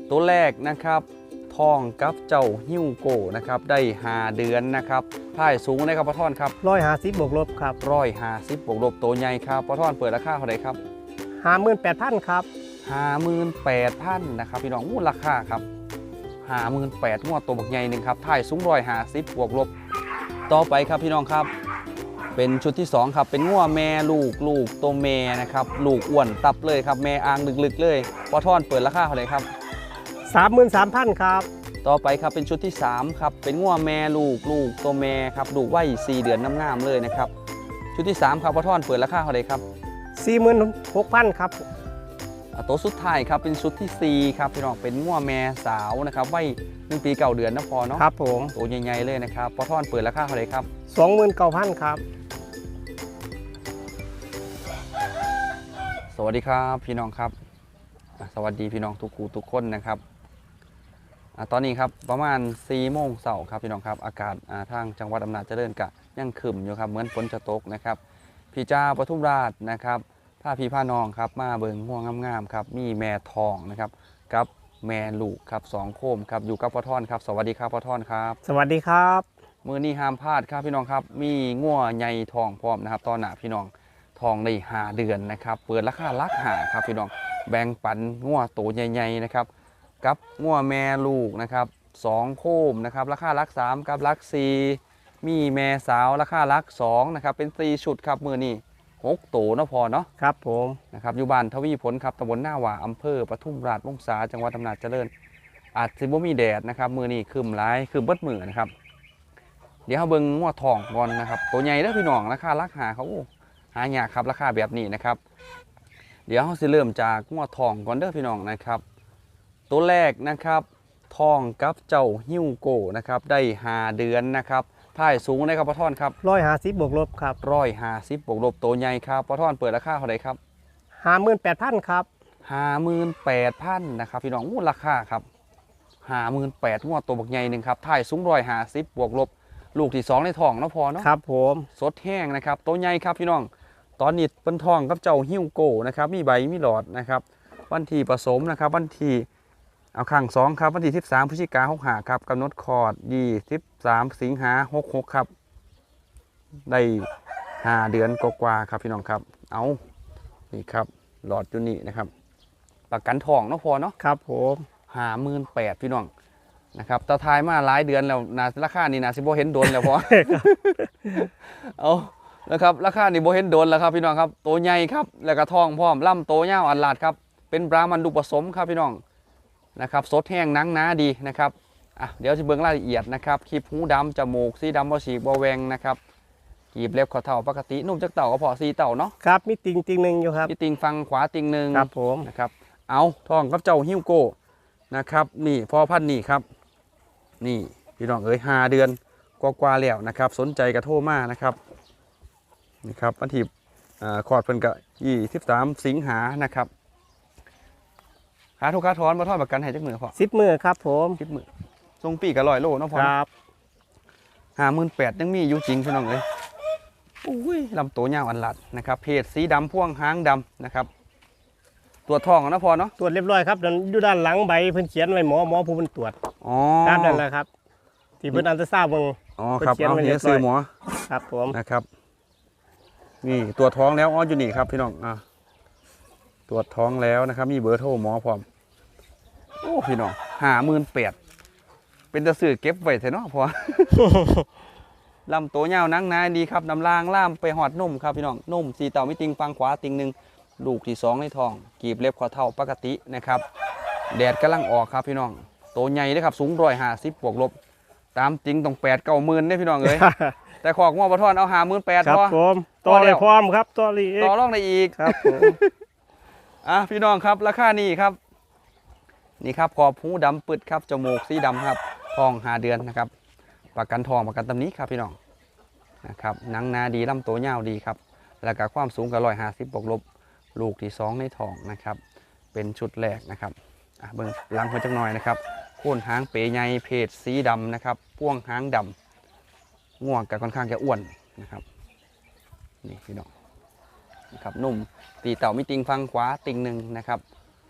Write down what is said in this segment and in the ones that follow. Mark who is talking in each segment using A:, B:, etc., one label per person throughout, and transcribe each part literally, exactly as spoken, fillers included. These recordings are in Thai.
A: ตัวแรกนะครับทองกับเจ้าฮิ้วโกนะครับได้หาเดือนนะครับพ่ายสูงนะครับพ่อท่อนครับ
B: ร้อยห้าสิบบวกลบครับ
A: ร้อยห้าสิบบวกลบตัวใหญ่ครับพ่อท่อนเปิดราคาเท่าไหร่ครับ
B: ห้าหมื่นแปดพันครับ
A: ห้าหมื่นแปดพันนะครับพี่น้องมูลราคาครับห้าหมื่นแปดงวดตัวบักใหญ่หนึ่งครับถ่ายสูงร้อยห้าสิบบวกลบต่อไปครับพี่น้องครับเป็นชุดที่สองครับเป็นงัวแม่ลูกลูกตัวแม่นะครับลูกอ้วนตับเลยครับแม่อ่างลึกๆเลยพ่อท่อนเปิดราคาเท่าไหร่ครับ
B: สามหมื่นสามพันครับ
A: ต่อไปครับเป็นชุดที่สามครับเป็นงัวแม่ลูกลูกตัวแม่ครับลูกไว้สี่เดือนน้ำงามเลยนะครับชุดที่สามครับพ่อท่อนเปิดราคาเท่าไหร่ครับ
B: สี่หมื่นหกพันครับ
A: ตัวสุดท้ายครับเป็นชุดที่สี่ครับพี่น้องเป็นงัวแม่สาวนะครับไว้หนึ่งปีเก่าเดือนนะพอเนาะ
B: ครับผม
A: ตัวใหญ่ๆเลยนะครับพ่อท่อนเปิดราคาเท่าไหร่ครับ
B: สองหมื่นเก้าพันครับ
A: สวัสดีครับพี่น้องครับสวัสดีพี่น้องทุกคู่ทุกคนนะครับตอนนี้ครับประมาณสี่โมงเช้าครับพี่น้องครับอากาศทางจังหวัดอำนาจเจริญกะยังขึ้นอยู่ครับเหมือนฝนจะตกนะครับพี่จ้าปทุมราชนะครับผ้าพี่ผ้าน้องครับมาเบิงม่วงงามๆครับมีแม่ทองนะครับกับแม่ลูกครับสองโคมครับอยู่กับพ่อท่อนครับสวัสดีครับพ่อท่อนครับ
B: สวัสดีครับ
A: มือนี้ห้ามพลาดครับพี่น้องครับมีงัวใหญ่ทองพร้อมนะครับตอนหน้าพี่น้องทองในหาเดือนนะครับเปิดราคาลักหาครับพี่น้องแบ่งปันงัวโตใหญ่ๆนะครับกับงัวแม่ลูกนะครับสองโคมนะครับราคาลักสามกับลักสี่มีแม่สาวราคาลักสองนะครับเป็นสี่ชุดครับมือนี้หกโตนะพอเนาะ
B: ครับผม
A: นะครับอยู่บ้านทวีผลครับตำบลหน้าหว่าอำเภอปทุมราชวงศาจังหวัดอำนาจเจริญอาจสิบ่มีแดดนะครับมือนี้คืมร้ายคืมเบิดมือนะครับเดี๋ยวเขาเบิ่งงัวทองก่อนนะครับตัวใหญ่แล้วพี่น้องราคาลักหาเขาหายากครับราคาแบบนี้นะครับเดี๋ยวเขาสิเริ่มจากงัวทองก่อนเด้อพี่น้องนะครับตัวแรกนะครับทองกับเจ้าฮิ้วโกนะครับได้หาเดือนนะครับถ่ายสูงนะครับพ่อท่อนครับ
B: ร้อยห้าสิบบวกลบครับ
A: ร้อยห้าสิบบวกลบตัวใหญ่ครับพ่อท่อนเปิดราคาเท่าไหร่ครับ
B: ห้าหมื่นแปดพันครับ
A: ห้าหมื่นแปดพันนะครับพี่น้องมูลราคาครับห้าหมื่นแปดงวดตัวบักใหญ่หนึ่งครับถ่ายสูงร้อยห้าสิบบวกลบลูกที่สองในท้องเนาะพอเนาะ
B: ครับผม
A: สดแห้งนะครับตัวใหญ่ครับพี่น้องตอนนี้เป็นทองกับเจ้าฮิ้วโกนะครับมีใบมีหลอดนะครับวันที่ผสมนะครับวันที่เอาข้างสองครับวันที่สิบสามพฤศจิกาหกห้าครับกำหนดคลอดยี่สิบสามสิงหาหกหกครับได้ห้าเดือนกว่าๆครับพี่น้องครับเอานี่ครับหลอดอยู่นี่นะครับประกันทองเนาะพอเนาะ
B: ครับผม
A: ห้าหมื่นแปดพี่น้องนะครับตาทายมาหลายเดือนแล้วนาราคานี่นาสิบโบเห็นโดนแล้วพอ เอานะครับราคานี่โบเห็นโดนแล้วครับพี่น้องครับตัวใหญ่ครับแล้วก็ทองพร้อมล่ำโตเงาอันลาดครับเป็นบรามันดุผสมครับพี่น้องนะครับสดแห้งนังหนาดีนะครับอ่ะเดี๋ยวจะเบิ่งรายละเอียดนะครับคลิปหูดำจมูกสีดำบ่ฉีกบ่แหวงนะครับกีบเล็บข้อเท่าปกตินุ่มจักเต่าก็พอสีเต่าเนาะ
B: ครับมีติงติงหนึ่งอยู่ครับ
A: มีติงฟังขวาติงหนึ่ง
B: ครับผม
A: นะครับเอาทองกับเจ้าฮิ้วโกนะครับนี่พอพันนี่ครับนี่พี่น้องเอ๋ยห้าเดือนกว่าๆแล้วนะครับสนใจกระโทรมานะครับนี่ครับวันที่คอร์ดเพิ่นกะยี่สิบสามสิงหานะครับขาทุกขาถอนมาทอดประกันให้จักมือพอ
B: สิบมือครับผม
A: สิบมือทรงปีกับลอยโลเนาะพอ
B: ครับ
A: ห้าหมื่นแปดยังมีอยู่จริงพี่น้องเอ๋ยอุ้ยลำตัวยาวอันลัดนะครับเพศสีดำพ่วงหางดำนะครับตรวจทองนะพอเนาะ
B: ตรวจเรียบร้อยครับอยู่ด้านหลังใบเพิ่นเขียนไว้หมอหมอผู้เพิ่นตรวจ
A: อ๋อ
B: นั่นแหละครับที่เพิ่นอันตราซาวด์เบิ่ง
A: อ๋อครับเอาเฮียซื้อหมอ
B: ครับผม
A: นะครับนี่ตรวจท้องแล้วอ๋ออยู่นี่ครับพี่น้องอ่าตรวจท้องแล้วนะครับมีเบอร์โทรหมอพร้อมโอ้พี่น้องห้าหมื่นแปดเป็นตะสื่อเก็บไว้เถอะเนาะพอ ลำตัวยาวนังนายดีครับน้ำลางล่ามไปหอดนุ่มครับพี่น้องนุ่มสีเต่าไม่ติงฟังขวาติงหนึ่งลูกที่สองในท้องกีบเล็บข้อเท่าปกตินะครับแดดกำลังออกครับพี่น้องโตใหญ่เลยครับสูงร้อยห้าสิบบวกลบตามจริงต้องแปดเก้าหมื่นได้พี่น้องเลย แต่ขอกงอปะทอนเอาหาหมื่นแปด
B: พอผมต่อเลยพร้อมครับต่อเลย
A: ต่อรองได้อีก
B: ครับผม
A: อ่ะพี่น้องครับราคานี่ครับนี่ครับขอบหูดำปึดครับจมูกสีดำครับทองหาเดือนนะครับประกันทองประกันตำนี้ครับพี่น้องนะครับหนังนาดีลำตัวยาวดีครับแล้วก็ความสูงกับร้อยห้าสิบบวกลบลูกที่สองในทองนะครับเป็นชุดแรกนะครับอ่ะเบิ้งหลังหัวจักหน่อยนะครับโค่นหางเป๋ใหญ่เพศสีดำนะครับพ่วงหางดำง่วงกับค่อนข้างจะอ้วนนะครับนี่พี่น้องนะครับนุ่มตีเต่ามีติงฟังขวาติงหนึ่งนะครับพ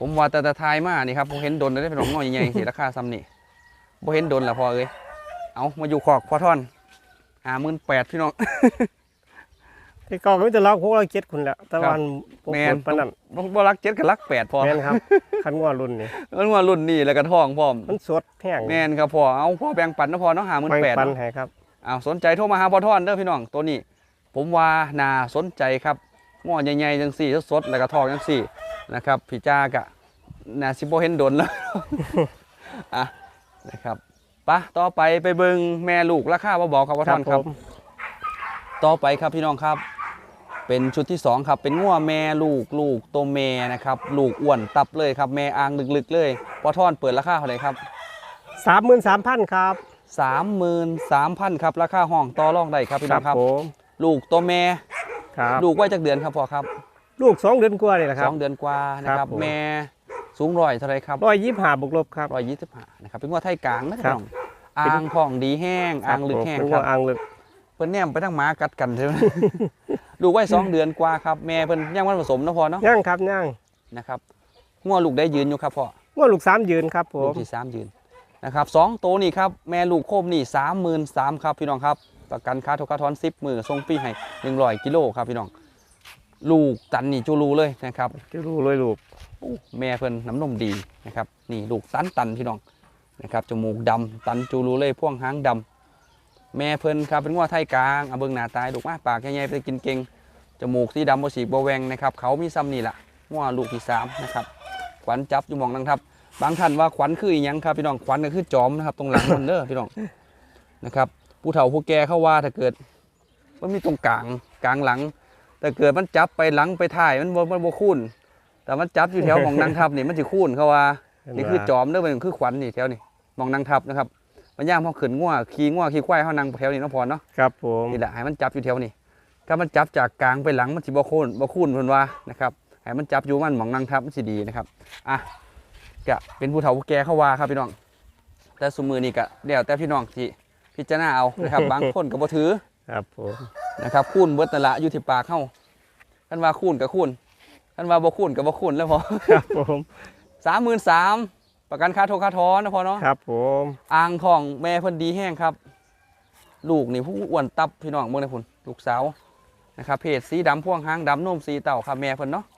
A: ผมว่าแต่แต่ทายมานี่ครับผมเห็นดนได้เป็นของน้อยใหญ่ๆสิราคาซ้ำนี่ผมเห็นดนละพอเอ้ยเอามาอยู่ขอกพอท่อนหาหมื่นแปดพี่น้อง
B: ที่เก่าก็มีแต่ล็อกหกล็อกเจ็ดคุณแหละแต่วันพวก
A: แม
B: คน นปานนั้น
A: บ่รักเจ็ดกับรักแปดพอ
B: แม่นครับคันงัวรุ่นนี้
A: มันว่ารุ่นนี้แล้วก็ทองพร้อม
B: มันสดแห้ง
A: แมนครับพอเอาพอแบ่งปันนะพอเนาะหาหมื่น
B: แบ่ง
A: แปด
B: ปันให้ครับ
A: เอาสนใจโทรมาหาพอท่อนเด้อพี่น้องตัวนี้ ผมว่าน่าสนใจครับง้อใหญ่ๆจังสี่สดๆแล้วก็ทองจังสี่นะครับพี่จ้ากะน่าสิบ่เห็นดนแล้ว อ่ะนะครับปะต่อไปไปเบิ่งแม่ลูกราคาบ่บอกครับพอท่อนครับ
B: ผม
A: ต่อไปครับพี่น้องครับ เป็นชุดที่สองครับเป็นงัวแม่ลูกลูกตัวแม่นะครับลูกอ้วนตับเลยครับแม่อ่างลึกๆเลยพอท่อนเปิดราคาเท่าไหร่ครับ
B: สามหมื่นสามพันครับ
A: สามหมื่นสามพันครับราคาห้องต่อรองได้ครับพี่น้องครับ
B: ผม
A: ลูกตัวแม่
B: ครับ
A: ลูกไว้จากเดือนครับพ่อครับ
B: ลูกสองเดือนกว่านี่แหละค
A: ส
B: รับ
A: องเดือนกว่านะค
B: ครั
A: รับบ
B: ผม
A: แม่สูงร้อยเท่าไรครับ
B: ร้อยยี่สิบห้าบวกลบครับ
A: ร้อยยี่สิบห้านะครับเป็นงัวไทยกลางนะค
B: ครั
A: รับบ อ่างพ่องดีแห้งอ่างลึกแห้ง
B: เป็น
A: ค
B: งั
A: รั
B: ว
A: บ
B: อ่างลึก
A: เพิ่นแนมไปทั้งหมากัดกันใช่ไหม ลูกไว้สองเดือนกว่าครับแม่เพิ่นยังวันผสมนะพ่อเนาะ
B: ย่างครับย่าง
A: นะครับงัวลูกได้ยืนอยู่ครับพ่อ
B: งัวลูกสามยืนครับผ
A: ลู
B: ม
A: กที่สามยืนนะครับสองตัวนี่ครับแม่ลูกโคมนี่สามหมื่นสามครับพี่น้องครับประกันค่าทุกค่าทอนสิบมือส่งฟรีให้หนึ่งร้อยกิโลครับพี่น้องลูกตันนี่จูรูเลยนะครับ
B: จะรู้เลยลูก
A: อู้แม่เพิ่นน้ำนมดีนะครับนี่ลูกตันตันพี่น้องนะครับจมูกดำตันจูรูเลยพ่วงหางดำแม่เพิ่นครับเป็นงัวไทยกลางเอาเบิ่งหน้าตายลูกมาปากใหญ่ๆไปกินเก่งจมูกสีดำบ่ฉีกบ่แหวงนะครับเขามีซ้ำนี่แหละงัวลูกที่สามนะครับขวัญจับอยู่หมองนั่งทับบางท่านว่าขวัญคืออีหยังครับพี่น้องขวัญก็คือจอมนะครับตรงหลังมันเด้อพี่น้องนะครับผู้เฒ่าผู้แก่เขาว่าถ้าเกิดมันมีตรงกลางกลางหลังแต่เกิดมันจับไปหลังไปท้ายมันบ่มันบ่คุ้นแต่มันจับอยู่แถวหมองนั่งทับนี่มันสิคุ้นเขาว่านี่คือจอมเด้อมันคือขวัญนี่แถวนี่หมองนั่งทับนะครับมันย่ามพอขึ้นงัวขี่งัวขี่ควายเขานั่งแถวนี้เนาะพอเนาะ
B: ครับผม
A: นี่แหละให้มันจับอยู่แถวนี้ถ้ามันจับจากกลางไปหลังมันสิบ่คุ้นบ่คุ้นเพิ่นว่านะครับให้มันจับอยู่มันหมองนั่งทับมันสิดีนะครับอ่ะก็เป็นผู้เฒ่าผู้แก่เขาว่าครับพี่น้องแต่สมือนี่ก็เดี๋ยวแต่พี่น้องที่พิจารณาเอานะครับ บางคนก็บ่ถือ
B: ครับผม
A: นะครับคูณเบิดนั่นละอยู่ที่ปากเฮาคันว่าคูณก็คูณคันว่าบ่คูณก็บ่คูณแล้วพอ
B: ครับผม
A: สามหมื่นสามประกันค่าโทรค่าถอนนะพอเนาะ
B: ครับผม
A: อ่างของแม่เพิ่นดีแห้งครับ ลูกนี่ผู้อ้วนตับพี่น้องเบิ่งได้พุ่นลูกสาวนะครับเพศสีดำพ่วงหางดำนมสีเต่าครับแม่เพิ่นเนาะ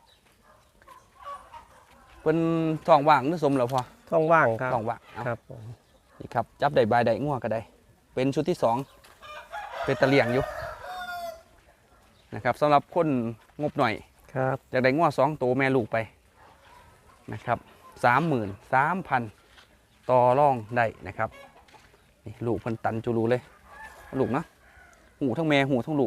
A: เพิ่นท้องว่างหรือสมแล้วพอ
B: ท้องว่างครับ
A: ท้องว่างเอา
B: ครับผม
A: นี่ครับจับได้บายได้ง่วก็ได้เป็นชุดที่สองเป็นตะเลียงอยู่นะครับสำหรับคนงบหน่อย
B: ครับ
A: อยากได้ง่วสองตัวแม่ลูกไปนะครับสามหมื่นสามพันต่อร่องได้นะครับนี่ลูกเพิ่นตันจูรูเลยลูกนะหูทั้งแม่หูทั้งลูก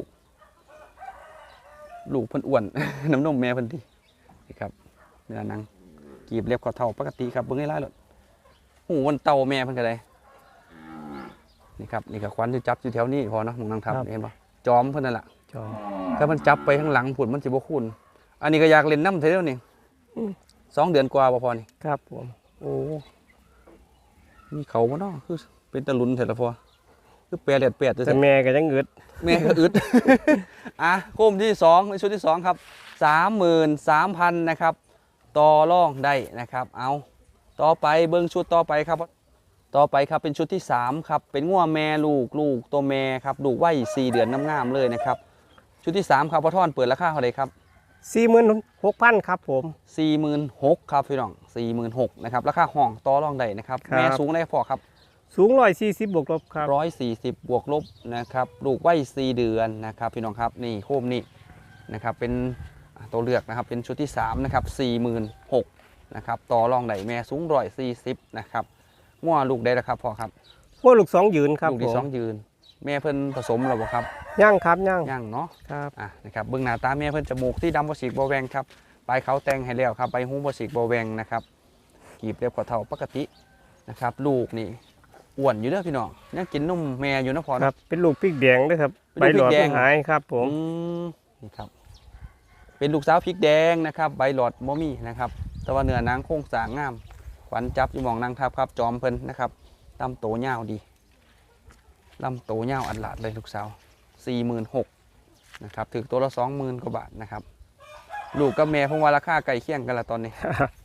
A: ลูกเพิ่นอ้วน น้ำนมแม่เพิ่นดีนี่ครับเนื้อหนังกีบเล็บก็เท่าปกติครับเบิ่งให้ไล่เลยหูมันเต่าแม่เพิ่นก็ได้นี่ครับนี่ก็ควันที่จับอยู่แถวนี้พอเนาะมองนางทับเห็นปะจอมเพิ่นนั่นแหละ
B: จอม
A: ถ้ามันจับไปข้างหลังผุดมันสิบ่คุ้นอันนี้ก็อยากเล่นน้ำเท่านี้นี่สองเดือนกว่าบ่พอนี่
B: ครับผม
A: โอ้มีเขาบ่เนาะคือเป็นตะลุนเถอะละพอคือแปรเลียดแปด
B: แต่แม่ก็ยังอึด
A: แม่ก็อึด อ่ะโคมที่สองในชุดที่สองครับสามหมื่นสามพันนะครับต่อร่องได้นะครับ เอาต่อไปเบิ้งชุดต่อไปครับ ต่อไปครับเป็นชุดที่สามครับเป็นงัวแม่ลูกลูกตัวแม่ครับลูกไว้สี่เดือนน้ำงามเลยนะครับชุดที่สามครับพ่อท่อนเปิดราคาเท่าไหร่ครับ
B: สี่หมื่นหกพันครับผม
A: สี่หมื่นหกครับพี่น้องสี่หมื่นหกนะครับราคาห้องต่อรองได้นะครับ
B: ครับ
A: แม่สูงได้พอครับ
B: สูงร้อยสี่สิบบวกลบครับ
A: ร้อยสี่สิบบวกลบนะครับลูกไว้สี่เดือนนะครับพี่น้องครับนี่โคมนี่นะครับเป็นอ่ะตัวเลือกนะครับเป็นชุดที่สามนะครับสี่หมื่นหกนะครับต่อรองได้แม่สูงร้อยสี่สิบนะครับงัวลูกได้แล้วครับพ่อครับ
B: พวกลูกสองยืนครับ
A: ลูก
B: ผ
A: ที่
B: ม
A: สองยืน แม่เพิ่นผสมแล้วบ่ครับ
B: ย่างครับย่าง
A: ย่างเนาะ
B: ครับ
A: อ่ะนะครับเบื้องหน้าตาแม่เพิ่นจมูกที่ดำบ่สีกบ่แหวงครับปลายเขาแต่งให้แล้วครับใบหูบ่สีกบ่แหวงนะครับกีบเรียบกว่าเท่าปกตินะครับลูกนี่อ้วนอยู่เด้อพี่น้องยังกินนมแม่อยู่นะพอ
B: ค
A: นะ
B: รับเป็นลูกพริกแดงด้วยครับ
A: เป็น
B: ใบ
A: ลูก
B: หลอด
A: พริกแดง
B: หายครับผม
A: อืมนี่ครับเป็นลูกสาวพริกแดงนะครับใบหลอดบ่มีนะครับแต่ว่าเนื้อหนังโครงสร้างงามขวัญจับอยู่หมองนางทับครับจอมเพิ่นนะครับลำโตยาวดีลำโตยาวอัดหลาดเลยลูกสาวสี่หมื่นหกนะครับถึงตัวละสองหมื่นกว่าบาทนะครับลูกกับแม่ผมว่าราคาใกล้เคียงกันละตอนนี้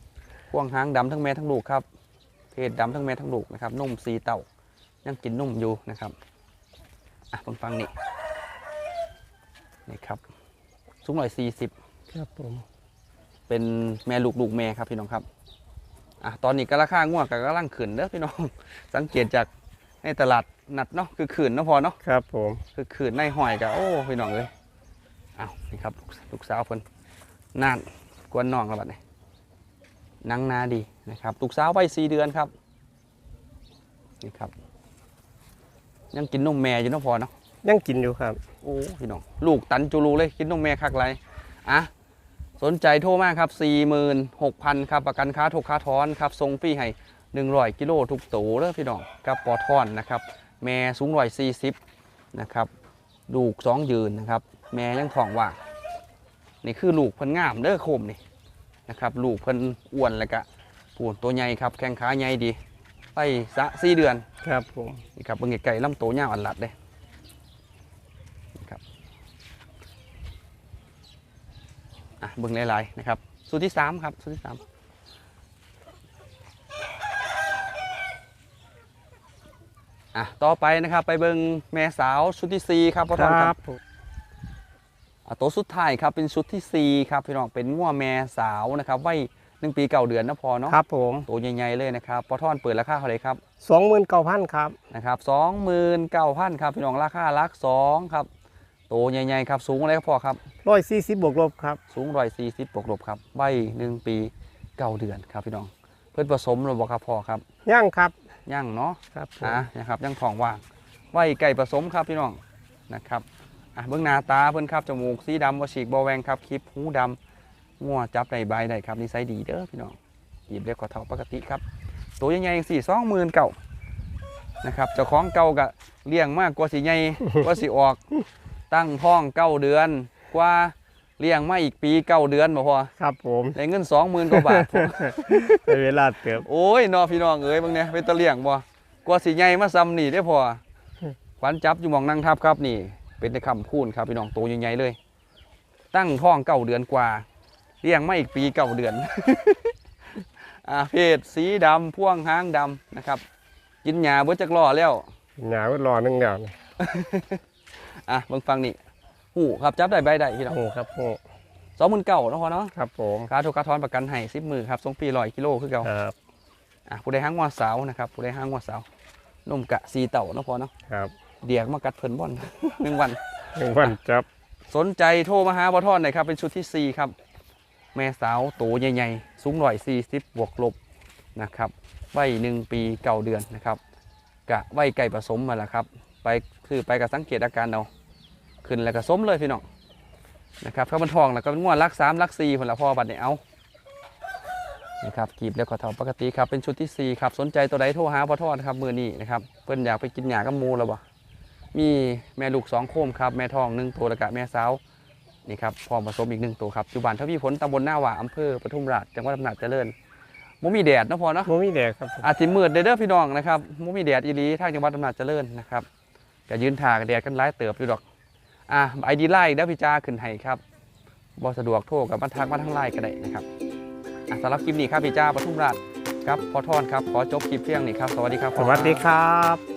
A: พ่วงหางดำทั้งแม่ทั้งลูกครับเพศดำทั้งแม่ทั้งลูกนะครับนุ่มสีเต่ายังกินนุ่มอยู่นะครับอ่ะฟังฟังนี่นี่ครับสูงร้อยสี่สิบ
B: ครับผม
A: เป็นแม่ลูกลูกแม่ครับพี่น้องครับอ่ะตอนนี้ก็ราคาง่วงกับกำลังขึ้นเด้อพี่น้อง สังเกตจากในตลาดนัดเนาะคือขืนเนาะพอเนาะ
B: ครับผม
A: คือขืนในหอยกับโอ้พี่น้องเลยอ้าวนี่ครับลูกลูกสาวเพิ่นน่านกวนน้องแล้วบัดนี้นังนาดีนะครับลูกสาววัยสี่เดือนครับนี่ครับยังกินนมแม่อยู่เนาะพอเนาะ
B: ยังกินอยู่ครับ
A: โอ้พี่น้องลูกตันจูรูเลยกินนมแม่คักไรอ่ะสนใจโทรมาครับ สี่หมื่นหกพัน ครับประกันค้าถูกค้าทอนครับทรงฟรีให้หนึ่งร้อยกิโลทุกตัวเด้อพี่น้องกับปอทอนนะครับแม่สูงร้อยสี่สิบนะครับลูกสองยืนนะครับแม่ยังท้องว่างนี่คือลูกเพิ่นงามเด้อโคมนี่นะครับลูกเพิ่นอ้วนแล้วก็ปูนตัวใหญ่ครับแข้งขาใหญ่ดีไปสะสี่เดือน
B: ครับผม
A: นี่ครับเบิ่งไก่ลำโตยาวอันหลัดเลยนี่ครับอ่ะเบิ่งหลายๆนะครับสูตรที่สามครับสูตรที่สามอ่ะต่อไปนะครับไปเบิ่งแม่สาวชุดที่สี่ครับพ่อทอนครับ
B: ผม
A: อ่ะตัวสุดท้ายครับเป็นชุดที่สี่ครับพี่น้องเป็นงัวแม่สาวนะครับไว้หนึ่งปีเก่าเดือนนะพอเนาะ
B: ครับผม
A: ตัวใหญ่ๆเลยนะครับพ่อทอนเปิดราคาเท่าไหร่ครับ
B: สองหมื่นเก้าพันครับ
A: นะครับสองหมื่นเก้าพันครับพี่น้องราคาลักสองครับโตใหญ่ๆครับสูงอะไรครับพ่อครับ
B: ร้อยสี่สิบบวกลบครับ
A: สูงร้อยสี่สิบบวกลบครับใบหนึ่งปีเก้าเดือนครับพี่น้องเพื่อนผสมหรือบ่ครับพ่อครับ
B: ย่างครับ
A: ย่างเนาะ
B: ครับผม
A: อ่ะนะครับย่างทองว่างใบไก่ผสมครับพี่น้องนะครับอ่ะเบื้องหน้าตาเพื่อนครับจมูกสีดำวฉีกบอแวงครับคลิปหูดำงัวจับในใบได้ครับนิสัยดีเด้อพี่น้องหยิบเล็กกว่าเท่าปกติครับตัวใหญ่ๆสี่สองหมื่นเก่านะครับเจ้าของเก่าก็เลี้ยงมากกว่าสีใหญ่ กว่าสีออก ตั้งท้องเก้าเดือนกว่าเลี้ยงมาอีกปีเก้าเดือนบ่พอ
B: ครับผม
A: ได้เงินสองหมื่นกว่าบาท พอ
B: ในเวลาเติบ
A: โอ้ยน้อพี่น้องเอ้ยบางเนี่ยเป็นตะเลี้ยงบ่กว่าสีใหญ่มาซ้ำนี่ได้พอขวัญจับอยู่หมองนั่งทับครับนี่ เป็นในคำพูนครับพี่น้องตัวใหญ่ๆเลย ตั้งท้องเก้าเดือนกว่าเลี้ยงมาอีกปีเก้าเดือน อ่าเพศสีดำพ่วงหางดำนะครับ กินหญ้าเบิดจักล้อแล้ว
B: หนาวรอนึงเดียวนี่
A: อ่ะเบิ่งฟังนี่หูครับจับได้ใบได้พี่น้อง
B: โอ้ครับโอ้
A: สองหมื่นเก้าเนาะพอเนาะ
B: ครับผม
A: ค่าถูกค่าทอนประกันให้สิบมือครับส่งฟรีร้อยกิโลคือเก่า
B: ครับ
A: อ่ะผู้ใดห้างงัวสาวนะครับผู้ใดห้างงัวสาวนมกะสีเต่าเนาะพอเนาะ
B: ครับ
A: เดียกมากัดเพิ่นบ่อน หนึ่งวัน
B: หนึ่งวันจับ
A: สนใจโทรมาหาบอทอนหน่อยครับเป็นชุดที่สี่ครับแม่สาวโตใหญ่ๆสูงร้อยสี่สิบบวกลบนะครับไว้หนึ่งปีเก้าเดือนนะครับกะไว้ไก่ผสมมาแล้วครับไปคือไปกับสังเกตอาการเอาขึ้นแล้วก็สมเลยพี่น้องนะครับข้าวมันทองแล้วก็เป็นงวดลักสามลักสี่ผลละพอบัดเนี่ยเอานะครับกีบแล้วก็เท่าปกติครับเป็นชุดที่สี่ครับสนใจตัวใดโทรหาบอทอนครับมือนี้นะครับเพิ่นอยากไปกินหญ้ากับหมูแล้วบ่มีแม่ลูกสองโคมครับแม่ทองหนึ่งตัวแล้วก็แม่สาวนี่ครับพร้อมผสมอีกหนึ่งตัวครับอยู่บ้านทวีผลตำบลหน้าหว่าอำเภอปทุมราชจังหวัดอำนาจเจริญมุมีแดดเนาะพอเนาะ
B: โมมีแดดครับผม
A: อาทิตย์มืดเด้อพี่น้องนะครับมุมีแดดอีหลีทางจังหวัดอำนาจเจริญนะครับก็ยืนถ่ากับแดดกันหลายเติบอยู่ดอกอ่ะไอดีไลน์เด้อพี่จ้าขึ้นให้ครับบ่สะดวกโทรกับมาทักมาทางไลน์ก็ได้นะครับอ่ะสำหรับคลิปนี้ครับพี่จ้าปทุมราชครับพอทอนครับขอจบคลิปเพียงนี้ครับสวัสดีครับ
B: สวัสดีครับ